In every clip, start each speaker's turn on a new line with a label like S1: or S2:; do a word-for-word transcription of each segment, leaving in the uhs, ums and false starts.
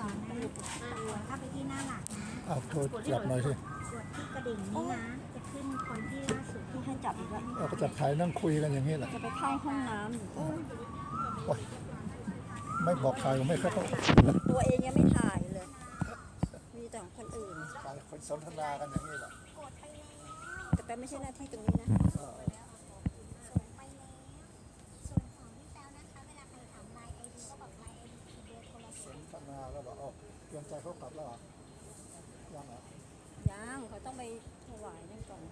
S1: สอนนะเข้าไปที่หน้าหลักนะ
S2: เอาโทรจับหน่อยสิ
S1: กดที่กระดิ่งนี้นะจะขึ้นคนที่ล่าสุดที่ให้จับอีกแล้ว
S2: เราก็จับถ่ายนั่งคุยกันอย่างนี้แหละ
S1: จะไปเข้าห้องน้ำอยู่
S2: โอ๊ยไม่บอกใครก็ไม่เข้า
S1: ตัวเองยังไม่ถ่ายเลย มีแต่ของคนอื่น
S2: ถ่ายคนสนทนากันอย่างนี้แหละ
S1: แต่แป๊บไม่ใช่หน้าที่ตรงนี้นะ
S2: เออ
S3: ส่งไปแล้วส่วนของพี่แต้วนะคะเวลาใครถามไลน์ไอดีก็บอกไลน์ไอดีคือเบอร์โทร
S2: ส
S3: ศัพ
S2: น
S3: ท์
S2: ทนาแล้วบอกอ๋อเตรียมใจเขากลับแล้วเหรอยังเหรอ
S1: ยังเขาต้องไปถวายนั่นก่อน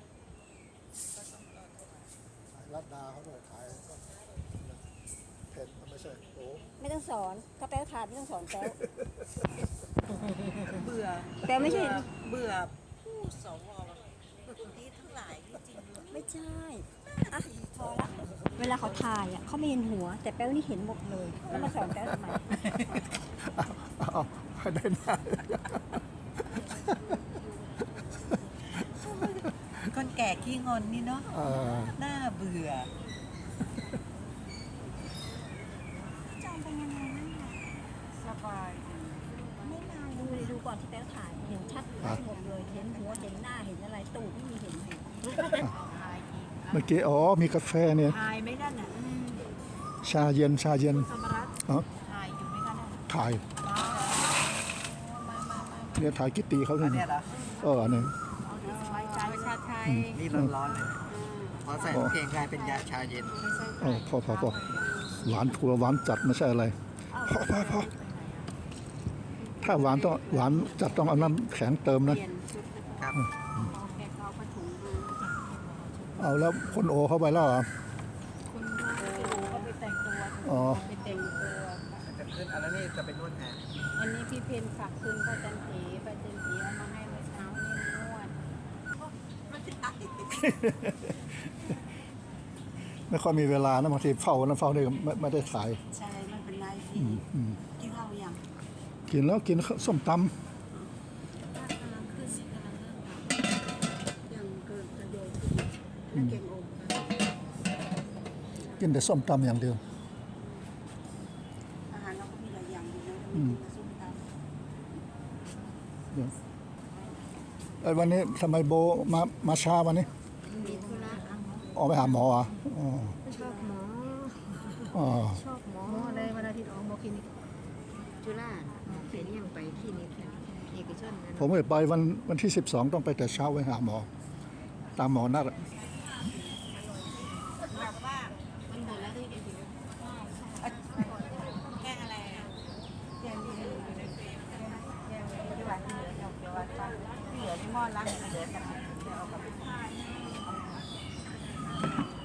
S2: ถ่ายรัดดาเขาด้วยถ่ายเพนไม่ใช่โอ้
S1: ไม่ต้องสอนถ้าแป๊วถ่ายไม่ต้องสอนแป๊ว
S4: เบื่อ
S1: แป๊วไม่ใช่
S4: เบื่อผู้สวที่ทั้งหลายจริงๆเลย
S1: ไม่ใช่อ่ะพอละเวลาเขาถ่ายอ่ะเขาไม่เห็นหัว แต่แป๊วนี่เห็นหมดเลยแล้วมาสอนแป๊วทำไม
S2: เอาเอาให้ได้หน้า
S4: คนแก่ขี้งอนนี่เนาะ
S2: เออ
S4: น่าเบื่อ
S3: จองเป็นยังไงบ้างคะ
S4: สบาย
S3: ไม่นาน
S1: ดู
S3: เลย
S1: เลยดูก่อนที่แป๊วถ่ายเห็นชัดหมดเลยเห็นหัวเห็นหน้าเห็นอะไรตูดไม่มีเห็นเลย
S4: ทายอีก
S2: เมื่อกี้อ๋อมีกาแฟเนี่ย
S4: ทายไม่ได้น่ะ
S2: ชาเย็นชาเย็น
S4: สมรัต
S2: อ๋อ
S4: ทายอยู่ไหมคะเนี่ย
S2: ถ่าย
S4: มามามา
S2: เนี่ยถ่ายกิตตีเขา
S4: อั
S2: ด้วย
S4: น
S2: นี่
S4: เนี้ยเหรอ
S2: เออเนี่ย
S4: เอาที่สบายใจชาไทย
S5: นี่ร้อนๆเลยพอใส่น้ำแข็งกลายเป็นยาชาเย็น
S2: โอ้พอพอพอหวานถั่วหวานจัดไม่ใช่อะไรพอพอพอถ้าหวานต้องหวานจัดต้องเอาน้ำแข็งเติมนะ
S5: ครับ
S1: แกเขาผ้าถุงมา
S2: เอาแล้วคนโอเข้าไปแล้วเหรอ
S1: คุณเขาไปแต่งตัว
S2: อ๋อ
S1: ไปแต่งตัว
S5: จะขึ้นอันนั้นนี่จะเป็นนวดแผน
S1: อันนี้พี่เพนฝากคืนป้าจันทีป้าจันทีเอามาให้เมื่อเช้านี่นวด
S2: ไม่ค่อยมีเวลานะบางทีเฝ้านั้นเฝ้านี่ไม่ไม่ได้ถ่าย
S4: ใช่ไม่เป็นไร
S2: อื
S4: พี่
S2: มอืม
S4: กินข้าวยัง
S2: กินแล้วกินส้มต
S1: กำลังขึ้นกำลังเริ่มทำยังเกินจะโยนขึ้นแล้วเก่งอมค่ะ
S2: ำกินแต่ส้มตำอย่างเดียว
S4: อาหารเราก็มีหลายอย่างอยู่นะ
S2: อืม
S4: ส้มตำ
S2: เดี๋ยวไอ้วันนี้ทำไมโบมามาช้าวันนี้
S1: มีธุระ
S2: ออกไปหาหมอเหรอ่ะอ๋อ
S1: ชอบหมอ
S2: อ๋อ
S1: ชอบหมออะไรวันอาทิตย์ออกหมอคลินิกจุฬาหมอเขียนยังไปคลินิกเอกชนนะ
S2: ผมไม่ไปวันวันที่สิบสองต้องไปแต่เช้าไปหาหมอ ตามหมอนัดอะ
S4: แบบว่า
S1: มันหมดแล้วที่เอกชน
S4: แกงอะไรอ่ะแกงดีอยู่ในเฟรมแกงที่ว่าที่เหลือเนี่ยเดี๋ยวว่าที่เหลือที่หม้อล้างเหลือแต่เดี๋ยวเอากลับไป